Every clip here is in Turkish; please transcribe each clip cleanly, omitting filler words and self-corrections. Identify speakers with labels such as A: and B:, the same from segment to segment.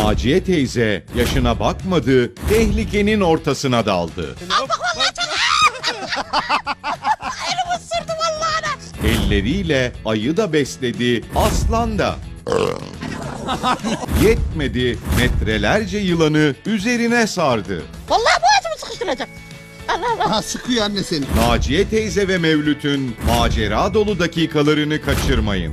A: Naciye teyze yaşına bakmadı, tehlikenin ortasına daldı.
B: Al bak vallahi çok. Elimi ısırdı vallahi ana.
A: Elleriyle ayı da besledi, aslan da. Yetmedi, metrelerce yılanı üzerine sardı.
B: Vallahi boğazımı sıkıştıracak. Allah Allah.
C: Aha sıkıyor anne seni.
A: Naciye teyze ve Mevlüt'ün macera dolu dakikalarını kaçırmayın.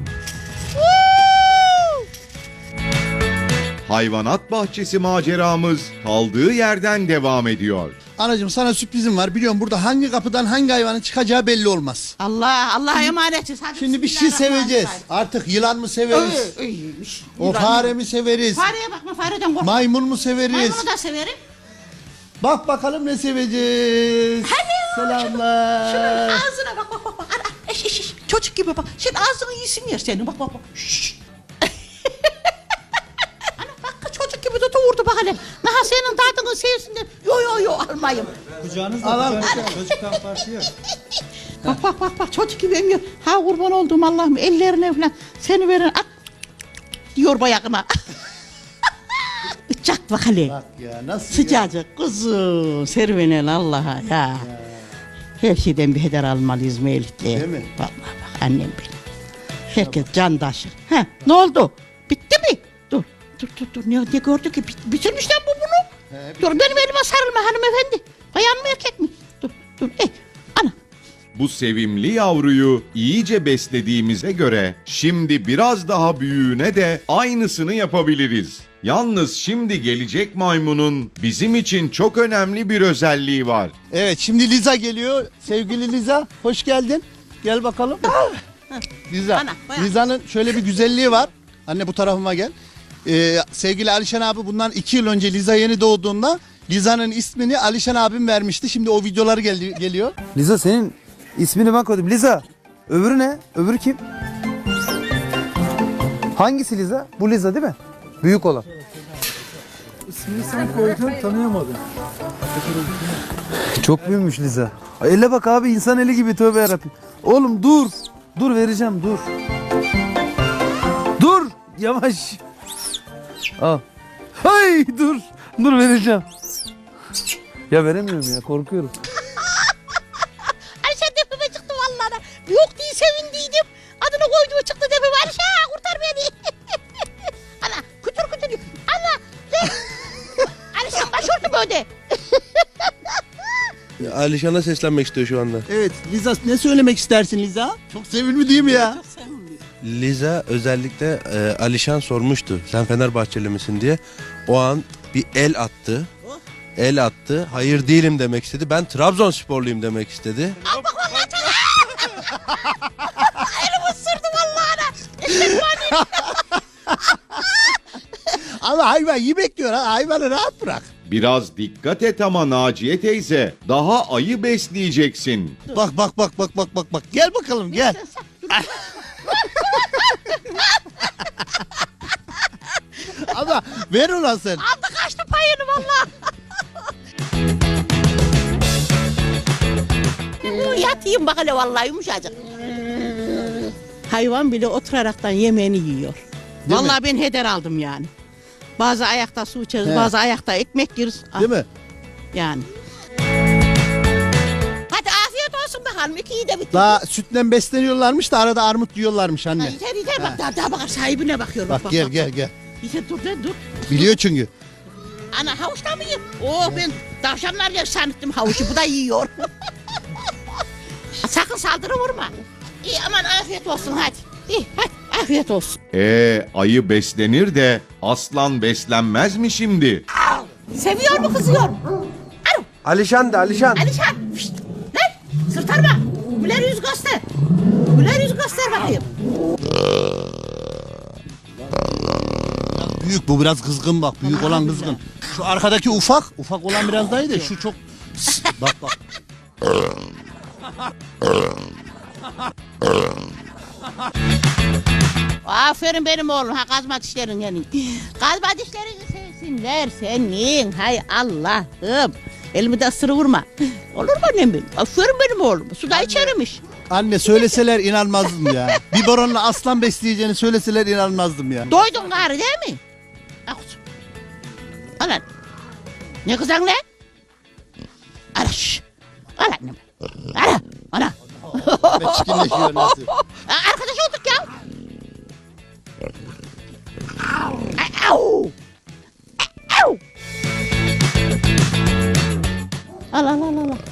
A: Hayvanat bahçesi maceramız kaldığı yerden devam ediyor.
C: Anacığım sana sürprizim var. Biliyorum burada hangi kapıdan hangi hayvanın çıkacağı belli olmaz.
B: Allah'a emanetiz. Hadi
C: Şimdi bir şey seveceğiz. Artık yılan mı severiz?
B: İyiymiş.
C: O fare mi severiz?
B: Fareye bakma, fareden korkma.
C: Maymun mu severiz?
B: Maymunu da severim.
C: Bak bakalım ne seveceğiz.
B: Şunun
C: Selamlar.
B: ağzına bak. Ana, eş. Çocuk gibi bak. Şimdi ağzını iyisin yer senin. Bak. Şşş. Ana bak çocuk gibi tutuyordu bak hele. Naha senin tadını sevsin de. Yo almayayım.
D: Kucağınızda
C: Al.
D: çocuktan farkı yok.
B: Bak çocuk gibi emiyor. Ha kurban olduğum Allah'ım ellerine falan seni veren at diyor bayağına. Uçak bak hele.
C: Bak ya nasıl ya?
B: Sıcacık kuzum serüvenen Allah'a ya. Her şeyden bir heder almalıyız Mevlüt'le.
C: Değil mi?
B: Vallahi bak annem benim. Herkes candaşı. Ha ne oldu? Bitti mi? Dur. Ne gördü ki? Bitirmişler bu bunu. Dur benim elime sarılma hanımefendi. Bayan mı erkek mi? Dur. Ana.
A: Bu sevimli yavruyu iyice beslediğimize göre şimdi biraz daha büyüğüne de aynısını yapabiliriz. Yalnız şimdi gelecek maymunun bizim için çok önemli bir özelliği var.
C: Evet şimdi Liza geliyor. Sevgili Liza hoş geldin. Gel bakalım. Liza.
B: Ana, bayağı.
C: Liza'nın şöyle bir güzelliği var. Anne bu tarafıma gel. Sevgili Alişan abi bundan 2 yıl önce Liza yeni doğduğunda Liza'nın ismini Alişan abim vermişti. Şimdi o videoları geliyor.
E: Liza senin ismini ben koydum. Liza. Öbürü ne? Öbürü kim? Hangisi Liza? Bu Liza değil mi? Büyük olan.
D: İsmini sen koydun tanıyamadım.
E: Çok büyümüş Liza. Elle bak abi insan eli gibi tövbe yarabbim. Oğlum dur. Dur vereceğim dur. Dur. Yavaş. Al. Hay dur. Dur vereceğim. Ya veremiyorum ya korkuyorum.
B: Ayşe tepeme çıktı vallahi. Yok diye sevindiydim. Adını koyduğu çıktı tepeme. Ayşe kurtar beni. Ana kütür diyor. Ana. Ayşe başörtüm öde.
F: Alişan'a seslenmek istiyor şu anda.
C: Evet Liza ne söylemek istersin Liza? Çok sevimli değil mi ya?
F: Liza özellikle Alişan sormuştu. Sen Fenerbahçeli misin diye. O an bir el attı. El attı. Hayır değilim demek istedi. Ben Trabzonsporluyum demek istedi.
B: Al bak vallahi çok. Elimi ısırdı vallahi ana.
C: Ama hayvan yemek diyor ha. Hayvanı rahat bırak.
A: Biraz dikkat et ama Naciye teyze, daha ayı besleyeceksin.
C: Bak. Gel bakalım gel. Ama ver ulan sen.
B: Aldı kaçtı payını vallahi. Yatayım bak hele vallahi yumuşacık. Hayvan bile oturaraktan yemeğini yiyor.
C: Değil
B: Vallahi ben heder aldım yani. Bazı ayakta su içeriz,
C: He.
B: bazı ayakta ekmek yeriz.
C: Değil mi?
B: Yani. Hadi afiyet olsun bakalım. İkiyi de bitir.
C: Daha sütten besleniyorlarmış da arada armut yiyorlarmış anne.
B: Yeter bak daha bakar sahibine bakıyor.
C: Bak gel.
B: Yeter dur.
C: Biliyor çünkü.
B: Ana havuçta mı yiyeyim? Oh ben tavşanlar yer sanıttım havucu bu da yiyor. Sakın saldırı vurma. İyi aman afiyet olsun hadi. İyi hadi afiyet olsun.
A: Ayı beslenir de aslan beslenmez mi şimdi?
B: Seviyor mu kızıyor? Alo
E: Alişan da Alişan.
B: Alişan. Şşt, lan sırtarma. Güler yüz göster. Güler yüz göster bakayım.
C: Büyük bu biraz kızgın bak. Büyük olan kızgın. Şu arkadaki ufak. Ufak olan biraz daha iyi de şu çok. Bak.
B: Aferin benim oğlum ha kazma dişlerin yani. Kazma dişlerini sevsinler senin. Hay Allah'ım. Elimi de ısırı vurma. Olur mu annem benim? Aferin benim oğlum. Suda içerimiş.
C: Anne söyleseler inanmazdım ya. Biberonla aslan besleyeceğini söyleseler inanmazdım ya.
B: Doydun gari değil mi? Al kuzum. Al anne. Ne kızan lan? Al şş. Al annemi. Al. Ana.
C: Çirkinleşiyor nasıl?
B: Arkadaş olduk ya. Au. Au. Al al al al.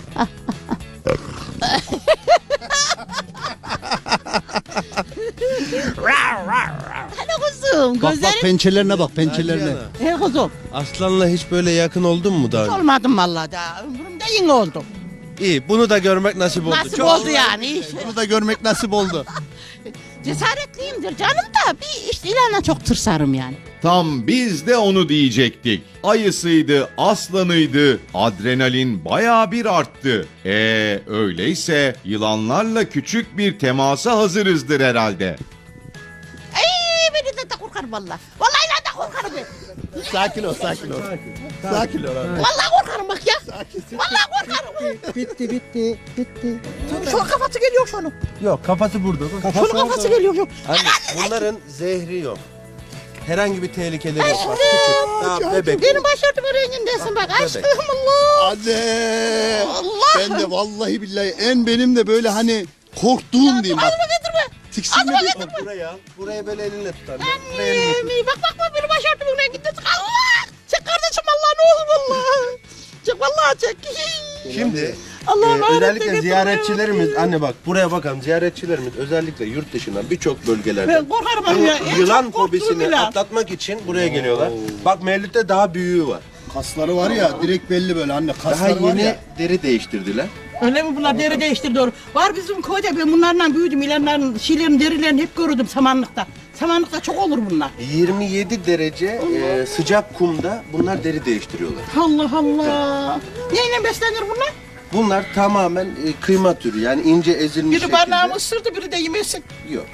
B: Hadi kuzum,
C: Bak
B: gözlerin.
C: pençelerine bak pençelerine.
B: He kuzum.
F: Aslanla hiç böyle yakın oldun mu daha
B: Hiç
F: önce?
B: olmadım vallahi daha. Ömrümde yeni oldu.
F: İyi, bunu da görmek nasip oldu.
B: Nasip
F: Çok
B: oldu yani. İyi.
C: Bunu da görmek nasip oldu.
B: Cesaretliyimdir canım da bir işte ilanla çok tırsarım yani.
A: Tam biz de onu diyecektik. Ayısıydı, aslanıydı, adrenalin bayağı bir arttı. Öyleyse yılanlarla küçük bir temasa hazırızdır herhalde.
B: Ay beni de korkarım valla. Vallahi ilan da korkarım ben.
C: Sakin ol sakin ol. Sakin ol abi.
B: Vallahi korkarım bak ya. Vallahi korkarım.
D: Bitti.
B: Şu kafası geliyor şunun.
F: Yok, kafası burada. Bak.
B: Şunun kafası geliyor. Şu.
F: Anne, bunların zehri yok. Herhangi bir tehlikeleri yok. Bak, küçük, daha bebek.
B: Benim başörtümün rengindesin bak. Aşkım Allah.
C: Anne.
B: Allah.
C: Ben de vallahi billahi en benim de böyle hani korktuğum diyeyim bak.
B: Ağzıma getirme.
C: Tiksinme değil mi?
F: Buraya al. Buraya böyle elinle tut anne. Buraya elinle tut.
B: Annem bak benim başörtümün rengindesin. Allah. Çek kardeşim Allah ne olur vallahi. Çek vallahi çek.
F: Şimdi
B: Allah'ım
F: özellikle
B: öğretti,
F: ziyaretçilerimiz, anne bak buraya bakalım, ziyaretçilerimiz özellikle yurt dışından birçok bölgelerde
B: Ben korkarım
F: bu
B: ya. En
F: yılan
B: çok korktuğum
F: fobisini
B: yılan.
F: atlatmak için buraya geliyorlar. Bak Mevlüt'te daha büyüğü var.
C: Kasları var ya direkt belli böyle anne
F: Daha
C: kasları var
F: yeni
C: ya.
F: deri değiştirdiler.
B: Öyle mi bunlar deri değiştir doğru. Var bizim köyde ben bunlarla büyüdüm. İlanların şeylerin derilerini hep gördüm samanlıkta. Samanlıkta çok olur bunlar.
F: 27 derece sıcak kumda bunlar deri değiştiriyorlar.
B: Allah Allah. Neyle beslenir bunlar?
F: Bunlar tamamen kıyma türü, yani ince ezilmiş
B: Biri
F: şekilde.
B: barnağımı ısırdı biri de yemesin.
F: Yok.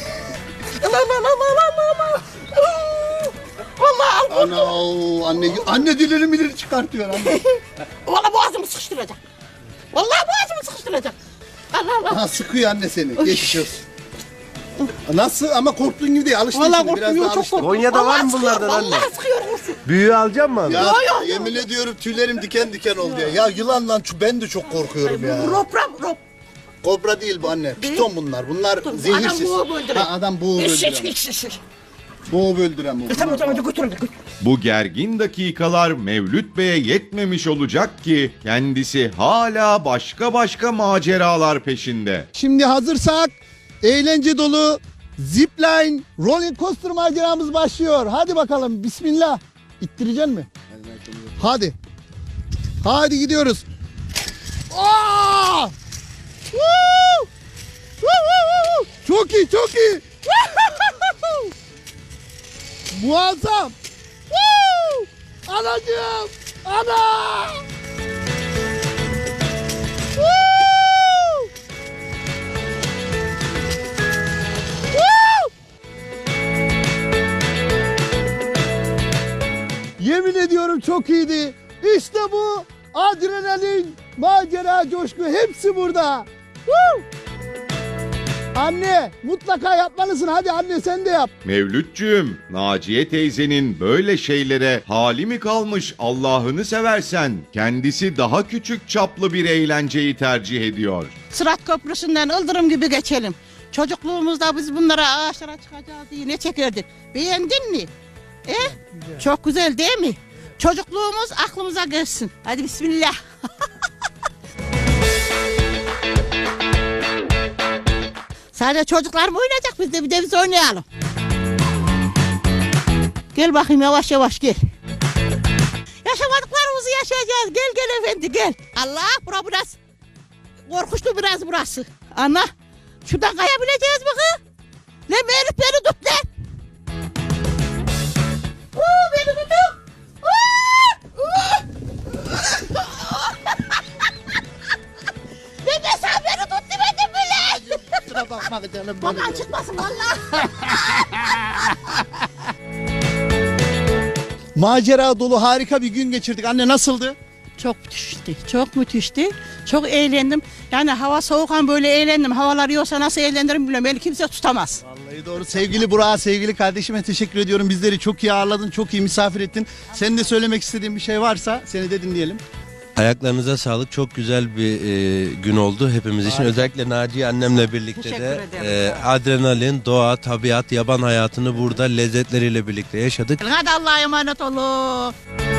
B: Allah. Vallahi al.
C: Ana anne dileri mileri çıkartıyor anne.
B: Vallahi boğazımı sıkıştıracak. Vallahi boğazımı sıkıştıracak. Allah.
C: Ha sıkıyor anne seni. Geçiş olsun. Nasıl ama korktuğun gibi değil alıştın
B: Vallahi
C: şimdi biraz
B: korkmuyor
C: daha
B: çok
C: alıştın.
B: korkmuyor.
F: Konya'da var mı
B: Vallahi
F: bunlardan
B: sıkıyor,
F: anne?
B: Vallahi sıkıyor vursun.
F: Büyüğü alacak mı abi?
C: Ya yemin ediyorum tüylerim diken diken oldu ya. Ya yılanla ben de çok korkuyorum ya.
B: Rop.
C: Kobra değil bu anne. Piton bunlar. Bunlar zehirsiz.
B: Adam boğup öldüren.
C: Ha, adam boğup öldüren. Boğup öldüren bu.
B: Tamam götürün.
A: Bu gergin dakikalar Mevlüt Bey'e yetmemiş olacak ki kendisi hala başka maceralar peşinde.
C: Şimdi hazırsak eğlence dolu zipline roller coaster maceramız başlıyor. Hadi bakalım bismillah. İttireceksin mi? Hadi. Hadi gidiyoruz. Aa! Woo! Woo! Çok iyi. Muazzam. Woo! Anacığım. Ana! Woo! Woo! Yemin ediyorum çok iyiydi. İşte bu adrenalin, macera, coşku hepsi burada. Woo! Anne mutlaka yapmalısın. Hadi anne sen de yap.
A: Mevlütcüğüm, Naciye teyzenin böyle şeylere hali mi kalmış Allah'ını seversen? Kendisi daha küçük çaplı bir eğlenceyi tercih ediyor.
B: Sırat Köprüsü'nden ıldırım gibi geçelim. Çocukluğumuzda biz bunlara ağaçlara çıkacağız diye ne çekerdik? Beğendin mi? Çok güzel değil mi? Çocukluğumuz aklımıza gelsin. Hadi bismillah. Sadece çocuklar mı oynayacak biz de biz oynayalım. Gel bakayım yavaş gel. Yaşamadıklarımızı yaşayacağız. Gel efendi gel. Allah burası. Korkuşlu biraz burası. Ana şuradan kayabileceğiz mi kız? Ne Melih beni tut lan. Beni tutun. Ne desem beni tut demedim bile.
C: Kusura bakma canım.
B: Bakan çıkmasın valla.
C: Macera dolu harika bir gün geçirdik. Anne nasıldı?
B: Çok müthişti. Çok eğlendim. Yani hava soğukken böyle eğlendim. Havalar yoksa nasıl eğlenirim bilmiyorum. Beni kimse tutamaz.
C: Doğru. Sevgili Burak'a, sevgili kardeşime teşekkür ediyorum. Bizleri çok iyi ağırladın, çok iyi misafir ettin. Senin de söylemek istediğin bir şey varsa seni de dinleyelim.
F: Ayaklarınıza sağlık. Çok güzel bir gün oldu hepimiz için. Özellikle Naciye annemle birlikte
B: Teşekkür
F: de
B: ederim.
F: adrenalin, doğa, tabiat, yaban hayatını burada lezzetleriyle birlikte yaşadık.
B: Hadi Allah'a emanet olun.